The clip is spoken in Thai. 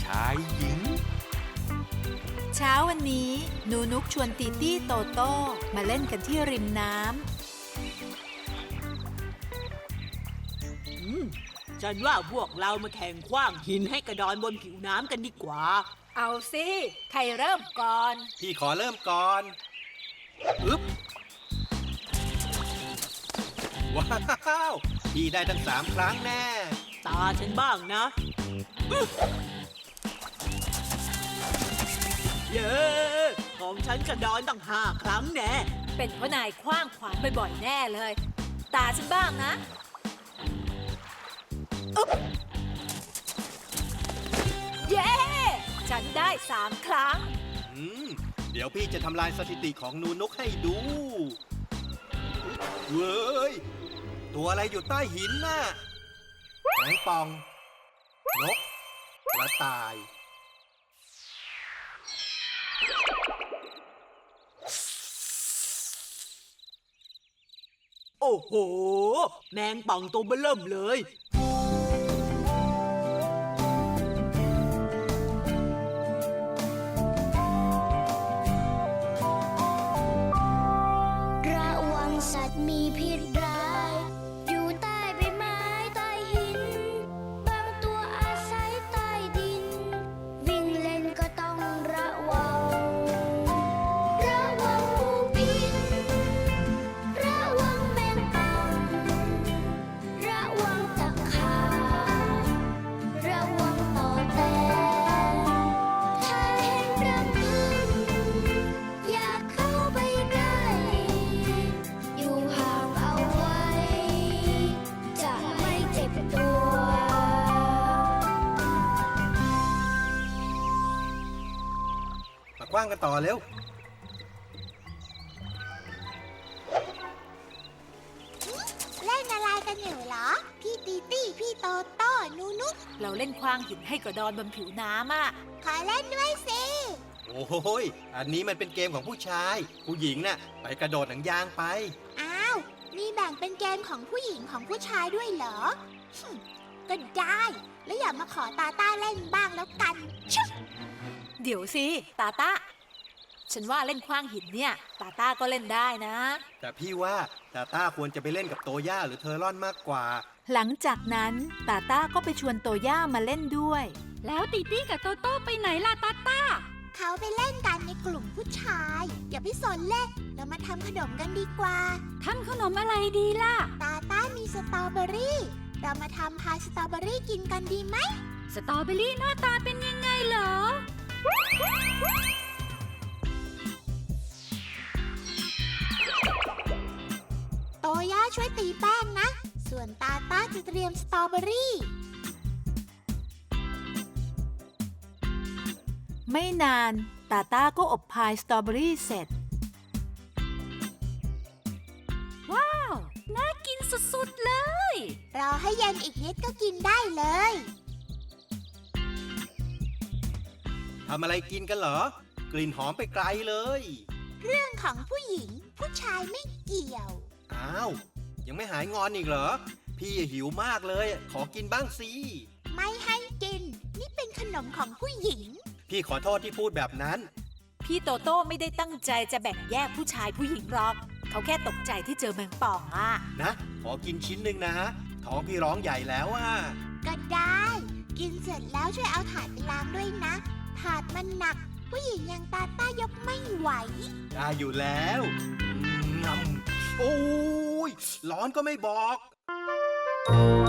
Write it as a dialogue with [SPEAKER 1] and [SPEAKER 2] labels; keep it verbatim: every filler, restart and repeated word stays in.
[SPEAKER 1] ายหญิง
[SPEAKER 2] เช้าวันนี้หนูนุกชวนตีตี้โตโต้มาเล่นกันที่ริมน้
[SPEAKER 3] ำอืมฉันว่าพวกเรามาแข่งขว้างหินให้กระดอนบนผิวน้ำกันดีกว่า
[SPEAKER 2] เอาสิใครเริ่มก่อน
[SPEAKER 1] พี่ขอเริ่มก่อนอึ๊บว้าวพี่ได้ทั้งสามครั้งแน่
[SPEAKER 3] ตาฉันบ้างนะเย้ของฉันกระดอนตั้งห้าครั้งแน่
[SPEAKER 2] เป็นเพราะนายขว้างขวานบ่อยๆแน่เลยตาฉันบ้างนะอึ๊บเย้ฉันได้สามครั้ง
[SPEAKER 1] อืมเดี๋ยวพี่จะทำลายสถิติของนูนุกให้ดูเว้ยตัวอะไรอยู่ใต้หินน่ะแมงป่องนกกระต่าย
[SPEAKER 3] โอ้โหแมงป่องตัวเบ้อเริ่มเลย
[SPEAKER 4] ระวังสัตว์มีพิษร้ายอยู่ใต้ใบไม้ใต้หินบางตัวอาศัยใต้ดินวิ่งเล่นก็ต้องระวังระวังงูพิษระวังแมงป่องระวังตะขาบระวังต่อแตนถ้าเห็นรังผึ้งอย่าเข้าไปใกล้อยู่ห่างเอาไว้จะไม่เจ็บตัว
[SPEAKER 1] มากว้างกันต่อเร็ว
[SPEAKER 4] เล่นอะไรกันอยู่เหรอพี่ตีตี้พี่โตโต้นูนุก
[SPEAKER 2] เราเล่นขว้างหินให้กระดอนบนผิวน้ำอ่ะ
[SPEAKER 4] ขอเล่นด้วยสิ
[SPEAKER 1] โอ้ยอันนี้มันเป็นเกมของผู้ชายผู้หญิงน่ะไปกระโดดหนังยางไป
[SPEAKER 4] อ้าวมีแบ่งเป็นเกมของผู้หญิงของผู้ชายด้วยเหรอก็ได้แล้วอย่ามาขอตาต้าเล่นบ้างแล้วกัน
[SPEAKER 2] เดี๋ยวสิตาต้าฉันว่าเล่นขว้างหินเนี่ยตาต้าก็เล่นได้นะ
[SPEAKER 1] แต่พี่ว่าตาต้าควรจะไปเล่นกับโตย่าหรือเทอร่อนมากกว่า
[SPEAKER 2] หลังจากนั้นตาต้าก็ไปชวนโตย่ามาเล่นด้วย
[SPEAKER 5] แล้วตีตี้กับโตโต้ไปไหนล่ะตาต้า
[SPEAKER 4] เขาไปเล่นกันในกลุ่มผู้ชายอย่าไปสนเล่นเรามาทำขนมกันดีกว่า
[SPEAKER 5] ทำขนมอะไรดีล่ะ
[SPEAKER 4] ตาต้ามีสตรอเบอรี่เรามาทำพายสตรอเบอรี่กินกันดีไหม
[SPEAKER 5] สตรอเบอรี่หน้าตาเป็นยังไงเหรอ
[SPEAKER 4] โตย่าช่วยตีแป้งนะส่วนตาต้าจะเตรียมสตรอเบอรี่
[SPEAKER 2] ไม่นานตาต้าก็อบพายสตรอเบอรี่เสร็จ
[SPEAKER 5] ว้าวน่ากินสุดๆเลย
[SPEAKER 4] รอให้เย็นอีกนิดก็กินได้เลย
[SPEAKER 1] ทำอะไรกินกันเหรอกลิ่นหอมไปไกลเลย
[SPEAKER 4] เรื่องของผู้หญิงผู้ชายไม่เกี่ยว
[SPEAKER 1] อ้าวยังไม่หายงอนอีกเหรอพี่หิวมากเลยขอกินบ้างสิ
[SPEAKER 4] ไม่ให้กินนี่เป็นขนมของผู้หญิง
[SPEAKER 1] พี่ขอโทษที่พูดแบบนั้น
[SPEAKER 2] พี่โตโต้ไม่ได้ตั้งใจจะแบ่งแยกผู้ชายผู้หญิงหรอกเขาแค่ตกใจที่เจอแมงป่องอ่ะ
[SPEAKER 1] นะขอกินชิ้นหนึ่งนะท้องพี่ร้องใหญ่แล้วอ่ะ
[SPEAKER 4] ก็ได้กินเสร็จแล้วช่วยเอาถาดไปล้างด้วยนะถาดมันหนักผู้หญิงอย่างตาต้ายกไม่ไหว
[SPEAKER 1] ได้อยู่แล้วงำโอ้ยร้อนก็ไม่บอก